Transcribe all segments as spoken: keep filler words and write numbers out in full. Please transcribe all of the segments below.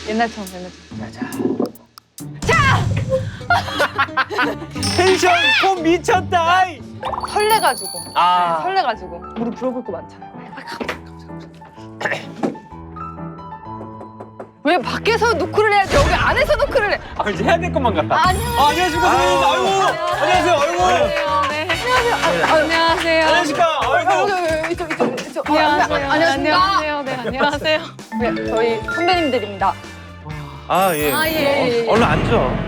옛날처럼 옛날처럼. 텐션 폼 미쳤다. 아이. 설레가지고. 아. 네, 설레가지고. 우리 물어볼 거 많잖아요. 왜 밖에서 노크를 해야지 여기 안에서 노크를 해? 아, 이제 해야 될 것만 같다. 아니요. 아, 안녕하십니까 선배님. 아이고. 안녕하세요. 아이고. 네. 안녕하세요. 안녕하세요. 안녕하십니까. 아이고. 이쪽 이쪽 이쪽. 안녕하세요. 안녕하십니까. 안녕하세요. 네, 안녕하세요. 네, 저희 선배님들입니다. 아 예. 아, 예, 예, 예. 얼른 앉아.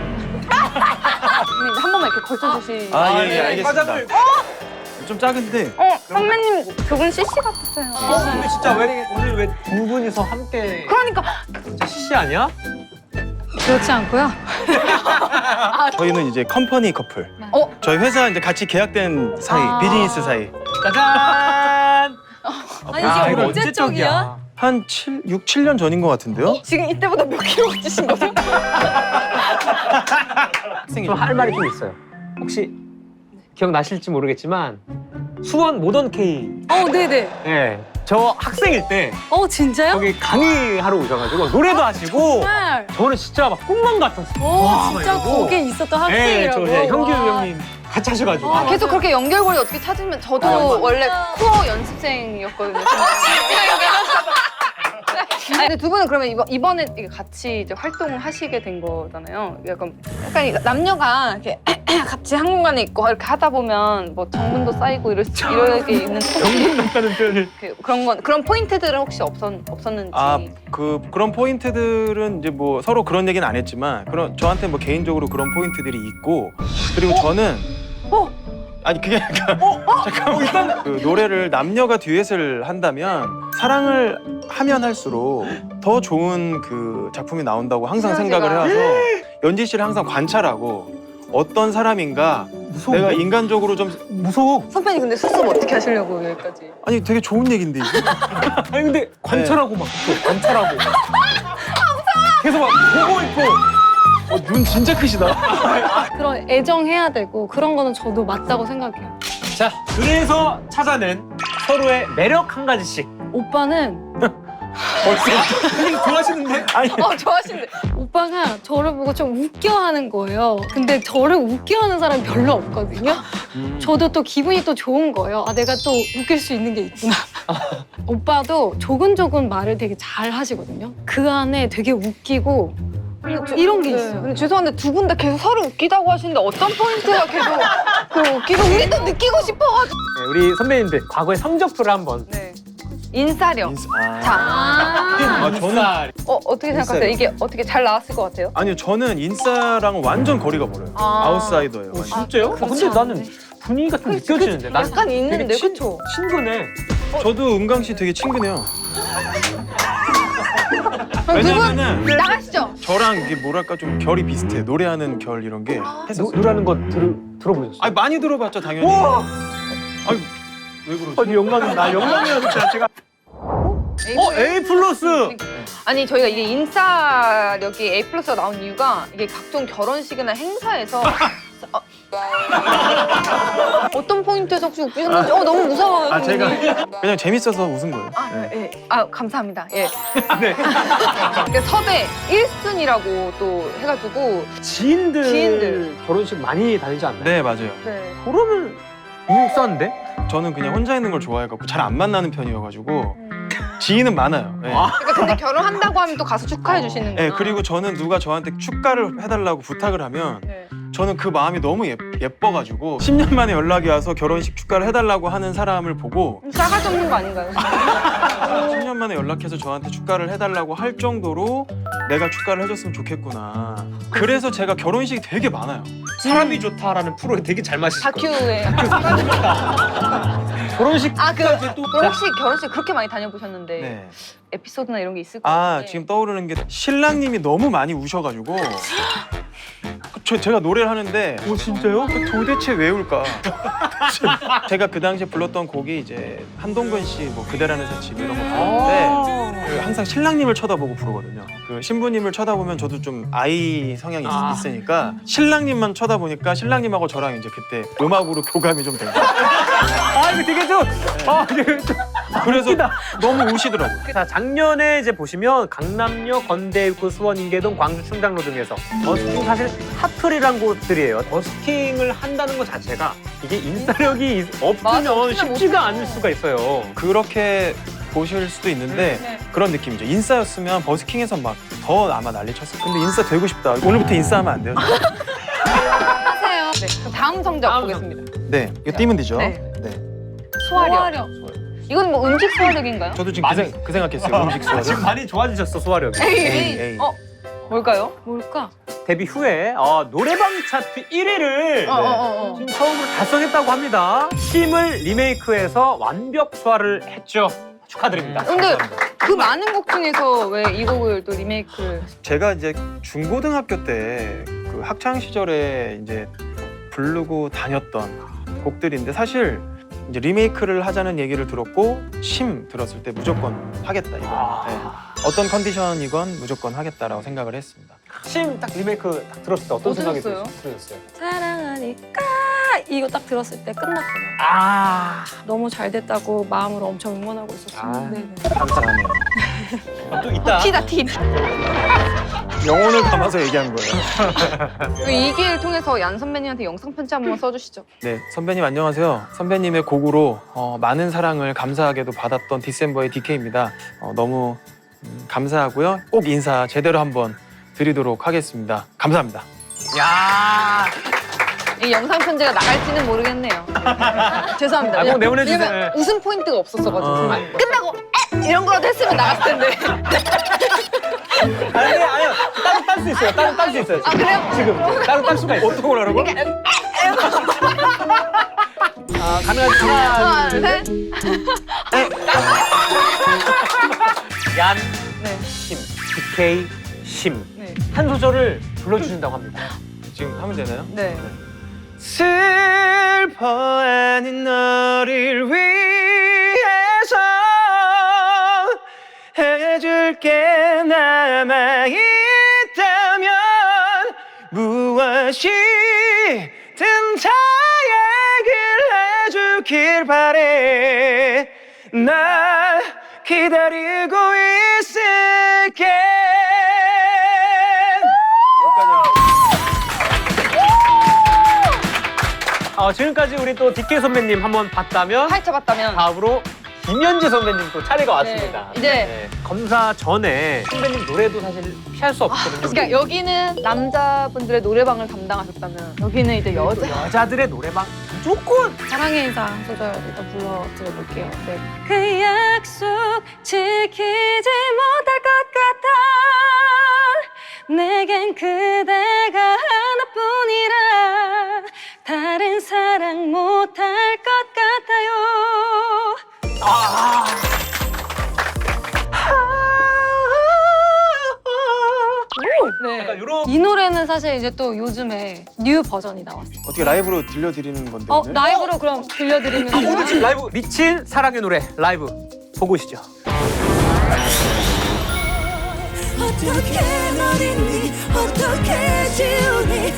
선배님 한 번만 이렇게 걸쳐주시. 아, 예, 네, 예, 알겠습니다. 과자들. 좀 작은데. 어, 선배님 그분 씨씨 같았어요. 어, 근데 진짜 왜 오늘 왜 두 분이서 함께 그러니까 진짜 씨씨 아니야? 그렇지 않고요. 저희는 이제 컴퍼니 커플. 어? 저희 회사 이제 같이 계약된 사이, 아. 비즈니스 사이. 짜잔. 아니 아, 이게 이거 언제적이야? 한 칠, 육, 칠 년 전인 것 같은데요? 지금 이때보다 몇 킬로 찌신 거죠? 학생이 좀 할 말이 좀 있어요. 혹시 기억나실지 모르겠지만 수원 모던 K. 어, 네네. 예. 저 학생일 때 어, 진짜요? 거기 강의하러 오셔가지고 노래도 하시고 정말. 저는 진짜 막 꿈만 같았어요. 오, 와, 진짜 막 이러고. 거기에 있었던 예, 학생이라고. 저 이제 형규 와. 형님 같이 하셔가지고. 와. 계속 그렇게 연결고리 어떻게 찾으면 저도 아, 원래 코어 연습생이었거든요. 아니, 근데 두 분은 그러면 이번, 이번에 이게 같이 이제 활동을 하시게 된 거잖아요. 약간, 약간 이 남녀가 이렇게 같이 한 공간에 있고 이렇게 하다 보면 뭐 정분도 쌓이고 이럴 수, 이렇게 있는 정분 같다는 표현을. 그- 그런 건 그런 포인트들은 혹시 없었, 없었는지. 아, 그 그런 포인트들은 이제 뭐 서로 그런 얘기는 안 했지만 그런 저한테 뭐 개인적으로 그런 포인트들이 있고 그리고 저는 어? 아니 그게 아니라 잠깐만 일단 그 노래를 남녀가 듀엣을 한다면 사랑을 하면 할수록 더 좋은 그 작품이 나온다고 항상 시너지가. 생각을 해와서 연지 씨를 항상 관찰하고 어떤 사람인가 무서워. 내가 인간적으로 좀 무서워. 선배님 근데 수습 어떻게 하시려고 여기까지? 아니 되게 좋은 얘긴데 이게 아니 근데 관찰하고 막 또 관찰하고. 계속 막 보고 있고. 어, 눈 진짜 크시다. 그런 애정해야 되고 그런 거는 저도 맞다고 생각해요. 자, 그래서 찾아낸 서로의 매력 한 가지씩. 오빠는 벌써 좋아하시는데? 아니, 어 좋아하시는데. 오빠가 저를 보고 좀 웃겨하는 거예요. 근데 저를 웃겨하는 사람이 별로 없거든요. 저도 또 기분이 또 좋은 거예요. 아, 내가 또 웃길 수 있는 게 있구나. 오빠도 조근조근 말을 되게 잘 하시거든요. 그 안에 되게 웃기고 이런 게 네. 있어요. 근데 죄송한데 두 분 다 계속 서로 웃기다고 하시는데 어떤 포인트가 계속 그 웃기고 우리도 느끼고 싶어가지고. 네, 우리 선배님들 과거의 성적표를 한번. 네. 인싸력. 인사- 아. 자, 아, 아, 저는 어 어떻게 생각하세요? 인싸력. 이게 어떻게 잘 나왔을 것 같아요? 아니요 저는 인싸랑은 완전 거리가 멀어요. 아. 아웃사이더예요. 어, 완전. 진짜요? 아, 근데 그렇지 나는 않은데. 분위기가 좀 느껴지는데. 난 약간 있는데, 되게 친- 그쵸? 친근해. 저도 은강 씨 되게 친근해요. 그럼 두 분 왜냐면은 나가시죠. 저랑 이게 뭐랄까 좀 결이 비슷해요. 노래하는 결 이런 게 노, 했었어요. 노래하는 거 들, 들어보셨어요? 아니 많이 들어봤죠 당연히. 우와! 아니 왜 그러지? 아니 영광은 나 영광이야 진짜 제가. 어 A 플러스. 아니 저희가 이게 인싸력이 A 플러스가 나온 이유가 이게 각종 결혼식이나 행사에서 어, 어떤 포인트에서 혹시 웃기셨는지 어 너무 무서워요. 아 제가 선생님. 그냥 재밌어서 웃은 거예요. 아, 네. 예. 아 감사합니다. 예. 네. 그러니까 섭외 일 순위라고 또 해가지고 지인들, 지인들. 결혼식 많이 다니지 않나요? 네 맞아요. 네. 그러면 인싸인데? 저는 그냥 혼자 있는 걸 좋아해갖고 잘 안 만나는 편이어가지고 지인은 많아요. 네. 와. 그러니까 근데 결혼한다고 하면 또 가서 축하해 주시는구나. 네, 그리고 저는 누가 저한테 축가를 해달라고 부탁을 하면 네. 저는 그 마음이 너무 예, 예뻐가지고 십 년 만에 연락이 와서 결혼식 축가를 해달라고 하는 사람을 보고 싸가지 없는 거 아닌가요? 십 년 만에 연락해서 저한테 축가를 해달라고 할 정도로 내가 축가를 해줬으면 좋겠구나. 그래서 제가 결혼식이 되게 많아요. 사람이 좋다라는 프로에 되게 잘 마시실 거예요. 다큐에. 결혼식 아, 그, 또 그럼 혹시 결혼식 그렇게 많이 다녀보셨는데 네. 에피소드나 이런 게 있을 것 아 같은데. 지금 떠오르는 게 신랑님이 너무 많이 우셔가지고 저 제가 노래를 하는데 오 진짜요? 도대체 왜 울까? 제가 그 당시에 불렀던 곡이 이제 한동근 씨 뭐 그대라는 새집 이런 거 부르는데 그 항상 신랑님을 쳐다보고 부르거든요. 그 신부님을 쳐다보면 저도 좀 아이 성향이 있- 아. 있으니까 신랑님만 쳐다보니까 신랑님하고 저랑 이제 그때 음악으로 교감이 좀 된 거예요. 아 이거 되게 좀, 아 되게 좀 그래서 너무 우시더라고요. 자, 작년에 이제 보시면 강남역, 건대입구, 수원, 인계동, 광주, 충장로 등에서 버스킹 사실 핫플이란 곳들이에요. 버스킹을 한다는 것 자체가 이게 인싸력이 있- 맞아, 없으면 진짜 쉽지가 않을 수가 있어요. 그렇게 보실 수도 있는데 네. 그런 느낌이죠. 인싸였으면 버스킹에서 막 더 아마 난리 쳤을 거예요. 근데 인싸 되고 싶다. 오늘부터 인싸하면 안 돼요? 하세요. 네. 그럼 다음 성적 다음 보겠습니다. 네, 이거 띄면 되죠? 네. 네. 소화력. 이건 뭐 음식 소화력인가요? 저도 지금 그, 맞아요. 생, 그 생각했어요. 음식 지금 소화력. 많이 좋아지셨어, 소화력이. 에이, 에이, 에이. 어 뭘까요? 뭘까? 데뷔 후에 어, 노래방 차트 일 위를 어, 어, 어, 어. 지금 처음으로 달성했다고 합니다. 힘을 리메이크해서 완벽 소화를 했죠. 축하드립니다. 근데 그 많은 곡 중에서 왜 이 곡을 또 리메이크를? 제가 이제 중고등학교 때 그 학창 시절에 이제 부르고 다녔던 곡들인데 사실 이제 리메이크를 하자는 얘기를 들었고 심 들었을 때 무조건 하겠다 이거. 아. 네. 어떤 컨디션이건 무조건 하겠다라고 생각을 했습니다. 심 딱 리메이크 딱 들었을 때 어떤 생각이 어떠셨어요? 들으셨어요? 사랑하니까 이거 딱 들었을 때 끝났구나. 아, 너무 잘 됐다고 마음으로 엄청 응원하고 있었어요. 아. 네네. 감사하네요. 또 있다. 티다 티. 영혼을 담아서 얘기한 거예요. 이 기회를 통해서 얀 선배님한테 영상 편지 한 번만 써주시죠. 네, 선배님 안녕하세요. 선배님의 곡으로 어, 많은 사랑을 감사하게도 받았던 디셈버의 디케이입니다. 어, 너무 음, 감사하고요. 꼭 인사 제대로 한번 드리도록 하겠습니다. 감사합니다. 야, 이 영상 편지가 나갈지는 모르겠네요. 죄송합니다. 아, 꼭 내보내주세요. 왜냐면 웃음 포인트가 없었어가지고 어. 아, 끝나고 에! 이런 거라도 했으면 나갔을 텐데. 아니 아니요, 따로 딸 수 있어요. 따로 딸 수 있어요. 아 그래요? 지금 따로 딸 수가 있어요. 어떻게 하라고? 아, 가능하지. 하나, 하나, 둘, 둘, 셋. 셋. 얀, 네. 심, 디케이, 심. 네. 한 소절을 불러주신다고 합니다. 지금 하면 되나요? 네. 슬퍼하는 너를 위해서 해줄 게 남아있다면 무엇이든 다 얘기를 해주길 바래 날 기다리고 있을게. 어, 지금까지 우리 또 디케이 선배님 한번 봤다면 파헤쳐봤다면 다음으로 김현지 선배님 또 차례가 왔습니다. 네, 이제- 네, 검사 전에 선배님 노래도 사실 피할 수 없거든요. 그러니까 여기는 남자분들의 노래방을 담당하셨다면 여기는 이제 여자. 여자들의 노래방 무조건 사랑의 인사 한 소절 일단 불러드려볼게요. 네. 그 약속 지키지 못할 것 같아 내겐 그대가 하나뿐이라 다른 사랑 못할 것 같아요. 아, 네. 약간 이런 이 노래는 사실 이제 또 요즘에 뉴 버전이 나왔어요. 어떻게 라이브로 들려드리는 건데 어, 오늘? 라이브로 그럼 들려드리면 아, 오늘 지금 라이브 미친 사랑의 노래 라이브 보고 오시죠. 어떻게 널 잊니 어떻게 지우니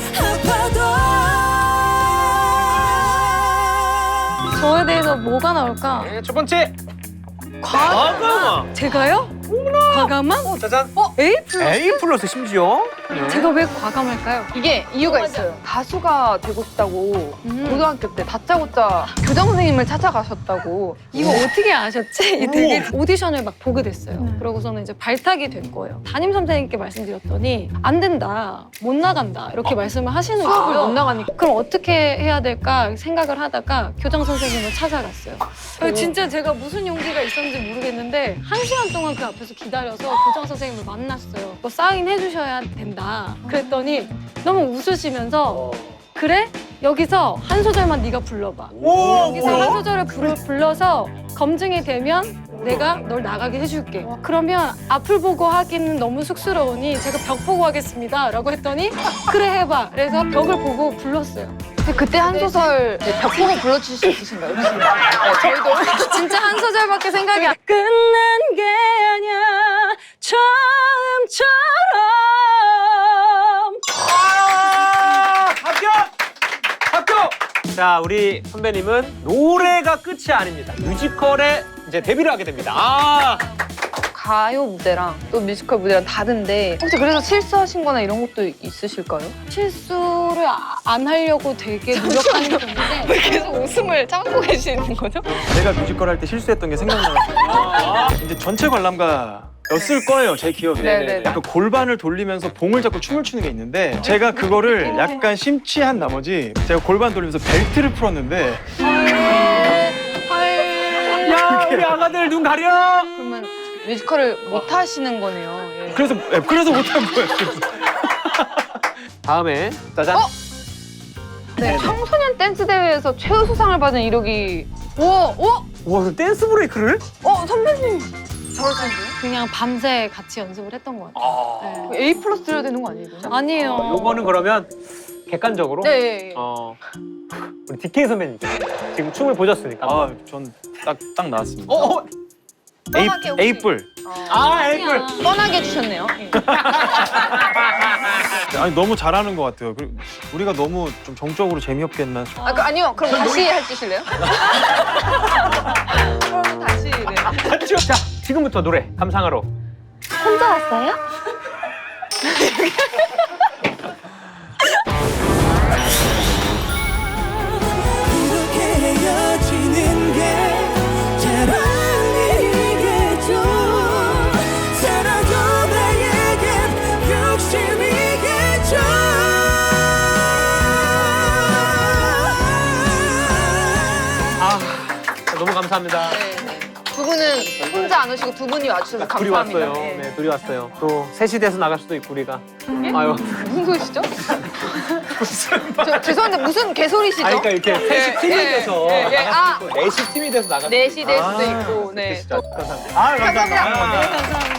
아파도 저에 대해서 뭐가 나올까? 네, 첫 번째 과... 과감함. 제가요? 과감함? 어, 짜잔. 어? A 플러스? A 플러스 심지어. 제가 왜 과감할까요? 이게 이유가 있어요. 가수가 되고 싶다고 음. 고등학교 때 다짜고짜 교장 선생님을 찾아가셨다고. 이거 어떻게 아셨지? 되게 오디션을 막 보게 됐어요. 그러고서는 이제 발탁이 된 거예요. 담임 선생님께 말씀드렸더니 안 된다, 못 나간다 이렇게 말씀을 하시는 수업을 거예요. 못 나가니까. 그럼 어떻게 해야 될까 생각을 하다가 교장 선생님을 찾아갔어요. 아니, 진짜 제가 무슨 용기가 있었는지 모르겠는데 한 시간 동안 그 앞에서 기다려서 교장 선생님을 만났어요. 뭐 사인 해주셔야 된다. 그랬더니 너무 웃으시면서 그래? 여기서 한 소절만 네가 불러봐. 여기서 한 소절을 불, 불러서 검증이 되면 내가 널 나가게 해줄게. 그러면 앞을 보고 하기는 너무 쑥스러우니 제가 벽 보고 하겠습니다. 라고 했더니 그래 해봐. 그래서 벽을 보고 불렀어요. 근데 그때 한 소절 벽 보고 불러주실 수 있으신가요? 혹시? 네, 저희도 진짜 한 소절밖에 생각이 안 끝난 게 아니야 처음처럼. 아, 합격! 합격! 자, 우리 선배님은 노래가 끝이 아닙니다. 뮤지컬의 이제 데뷔를 하게 됩니다. 아, 가요 무대랑 또 뮤지컬 무대랑 다른데 혹시 그래서 실수하신 거나 이런 것도 있으실까요? 실수를 아- 안 하려고 되게 노력하는 편인데 왜 계속 웃음을 참고 계시는 거죠? 제가 뮤지컬 할 때 실수했던 게 생각나가지고 이제 전체 관람가였을 거예요, 제 기억에. 네네네. 약간 골반을 돌리면서 봉을 잡고 춤을 추는 게 있는데 제가 그거를 약간 심취한 나머지 제가 골반 돌리면서 벨트를 풀었는데 야, 우리 아가들 눈 가려. 그러면 뮤지컬을 못 하시는 거네요. 예. 그래서 예, 그래서 못한 거예요. 다음에 짜잔. 어? 네, 청소년 댄스 대회에서 최우수상을 받은 이력이 오! 오! 와, 그 댄스 브레이크를? 어, 선배님! 잘하시는데요? 그냥 밤새 같이 연습을 했던 것 같아요. 네. A 플러스 드려야 되는 거 아니에요? 이거는? 아니에요. 어, 요거는 그러면 객관적으로 네, 예, 예. 어, 우리 디케이 선배님 지금 춤을 보셨으니까. 아, 전 딱 딱 나왔습니다. 어, 어. 에이, 뻔하게 혹시- 에이뿔. 아, 에이플. 뻔하게 해주셨네요. 예. 아니 너무 잘하는 것 같아요. 그리고 우리가 너무 좀 정적으로 재미없게 했나? 아, 그, 아니요. 그럼 다시 해주실래요? 그럼 다시, 네. 자, 지금부터 노래 감상하러. 혼자 왔어요? 이렇게 헤어지는 게 잘 아니겠죠. 살아도 나에겐 욕심이겠죠. 아, 너무 감사합니다. 네, 네. 두 분은 혼자 안 오시고 두 분이 와주셔서 둘이 감사합니다. 왔어요. 예. 네, 둘이 왔어요. 또 셋이 돼서 나갈 수도 있고 우리가. 아유. 무슨 소리시죠? 저, 죄송한데 무슨 개소리시죠? 아니, 그러니까 이렇게 셋이 팀이 예, 돼서 예, 예. 아, 넷이 팀이 돼서 나갈 수도 넷이 될 있고. 수도 아, 있고, 네. 진짜 또 감사합니다. 아, 감사합니다. 감사합니다. 네, 감사합니다.